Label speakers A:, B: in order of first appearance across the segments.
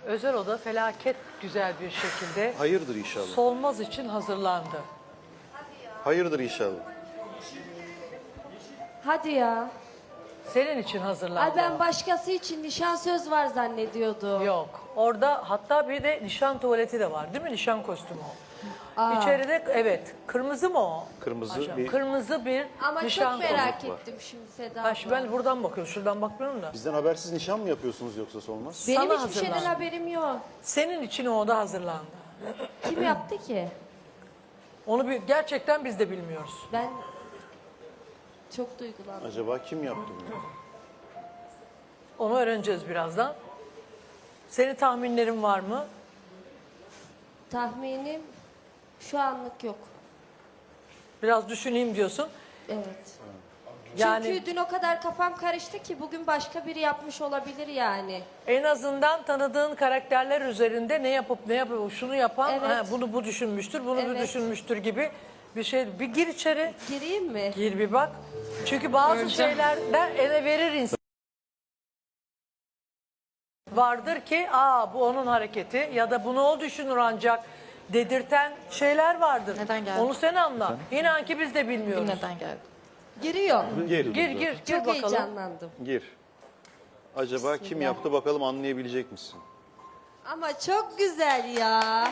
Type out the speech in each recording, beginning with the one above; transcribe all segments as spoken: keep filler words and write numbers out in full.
A: Özel oda felaket güzel bir şekilde
B: Hayırdır inşallah.
A: Solmaz için hazırlandı.
B: Hayırdır inşallah.
C: Hadi ya.
A: Senin için hazırlandı.
C: Ay ben başkası için nişan söz var zannediyordum.
A: Yok. Orada hatta bir de nişan tuvaleti de var değil mi? Nişan kostümü o.
C: Aa.
A: İçeride evet. Kırmızı mı o?
B: Kırmızı
A: Aşağı-
B: bir-
A: Kırmızı bir
C: Ama
A: nişan
C: çok merak
B: kostümü var.
C: ettim şimdi Seda
A: Ha, şimdi
C: abla.
A: ben buradan bakıyorum. Şuradan bakmıyorum da.
B: Bizden habersiz nişan mı yapıyorsunuz yoksa Solmaz?
C: Benim
A: Sana
C: hiçbir şeyden
A: hazırlandı.
C: haberim yok.
A: Senin için o oda hazırlandı.
C: Kim yaptı ki?
A: Onu bir, gerçekten biz de bilmiyoruz.
C: Ben çok duygulandım.
B: Acaba kim yaptı bunu?
A: Onu öğreneceğiz birazdan. Senin tahminlerin var mı?
C: Tahminim şu anlık yok.
A: Biraz düşüneyim diyorsun.
C: Evet.
A: Yani
C: Çünkü dün o kadar kafam karıştı ki bugün başka biri yapmış olabilir yani.
A: en azından tanıdığın karakterler üzerinde ne yapıp ne yapıp şunu yapan
C: Evet.
A: ha, bunu bu düşünmüştür, bunu bu
C: Evet.
A: düşünmüştür gibi bir şey. Bir gir içeri,
C: Gireyim mi?
A: gir bir bak. Çünkü bazı şeylerden ele verir insan. Vardır ki aa bu onun hareketi ya da bunu o düşünür ancak dedirten şeyler vardır.
D: Neden geldi?
A: Onu sen anla. İnan ki biz de bilmiyoruz.
D: Neden geldi?
C: Giriyor.
B: Gir,
A: Gir gir gir
C: Çok
A: bakalım.
C: heyecanlandım.
B: Gir. Acaba kim yaptı bakalım anlayabilecek misin?
C: Ama çok güzel ya.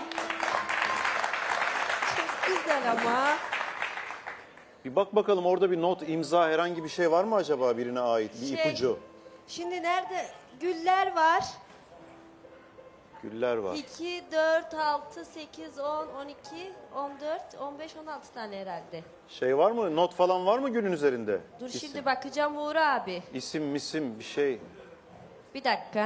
C: Çok güzel ama.
B: Bir bak bakalım orada bir not, imza herhangi bir şey var mı acaba birine ait? Bir
C: Şey-
B: ipucu.
C: Şimdi nerede? Güller var.
B: Güller var.
C: iki, dört, altı, sekiz, on, on iki, on dört, on beş, on altı tane herhalde.
B: Şey var mı? Not falan var mı gülün üzerinde?
C: Dur
B: İsim,
C: şimdi bakacağım Uğur abi.
B: İsim, misim bir şey.
C: Bir dakika.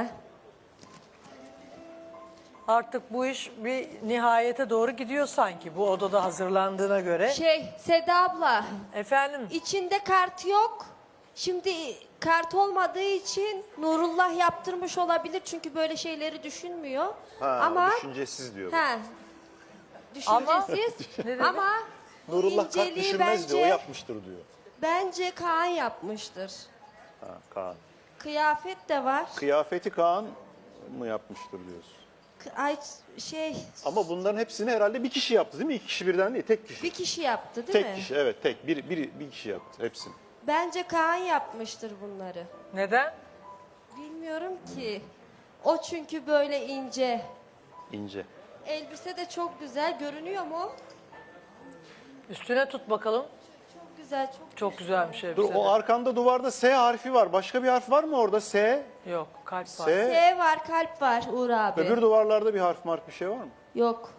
A: Artık bu iş bir nihayete doğru gidiyor sanki bu odada hazırlandığına göre.
C: Şey Seda abla,
A: Efendim
C: içinde kart yok. Şimdi kart olmadığı için Nurullah yaptırmış olabilir çünkü böyle şeyleri düşünmüyor.
B: Ha,
C: ama
B: düşüncesiz diyor.
C: he, düşüncesiz
A: Ne dedi?
C: ama bu
B: Nurullah kart
C: inceliği
B: düşünmez
C: bence,
B: diyor, o yapmıştır diyor.
C: bence Kaan yapmıştır.
B: Ha, Kaan.
C: Kıyafet de var.
B: Kıyafeti Kaan mı yapmıştır diyorsun.
C: K- Ay şey
B: Ama bunların hepsini herhalde bir kişi yaptı değil mi? İki kişi birden değil, tek kişi.
C: bir kişi yaptı değil
B: tek
C: mi?
B: kişi, evet tek. Bir, bir, bir kişi yaptı hepsini.
C: Bence Kaan yapmıştır bunları.
A: neden?
C: Bilmiyorum ki. O çünkü böyle ince.
B: İnce.
C: Elbise de çok güzel. Görünüyor mu?
A: Üstüne tut bakalım.
C: Çok güzel, çok
A: Çok güzelmiş
B: Dur
A: elbise.
B: o arkanda duvarda S harfi var. Başka bir harf var mı orada? S.
A: Yok kalp var.
B: S.
C: S var, kalp var Uğur abi.
B: Öbür duvarlarda bir harf mark bir şey var mı?
C: Yok.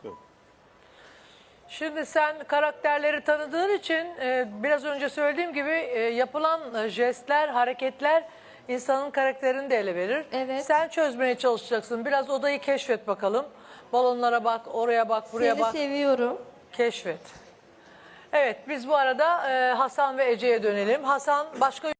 A: Şimdi sen karakterleri tanıdığın için e, biraz önce söylediğim gibi e, yapılan e, jestler, hareketler insanın karakterini de ele verir.
C: Evet.
A: Sen çözmeye çalışacaksın. Biraz odayı keşfet bakalım. Balonlara bak, oraya bak, buraya
C: Seni
A: bak.
C: seviyorum.
A: Keşfet. Evet biz bu arada e, Hasan ve Ece'ye dönelim. Hasan başka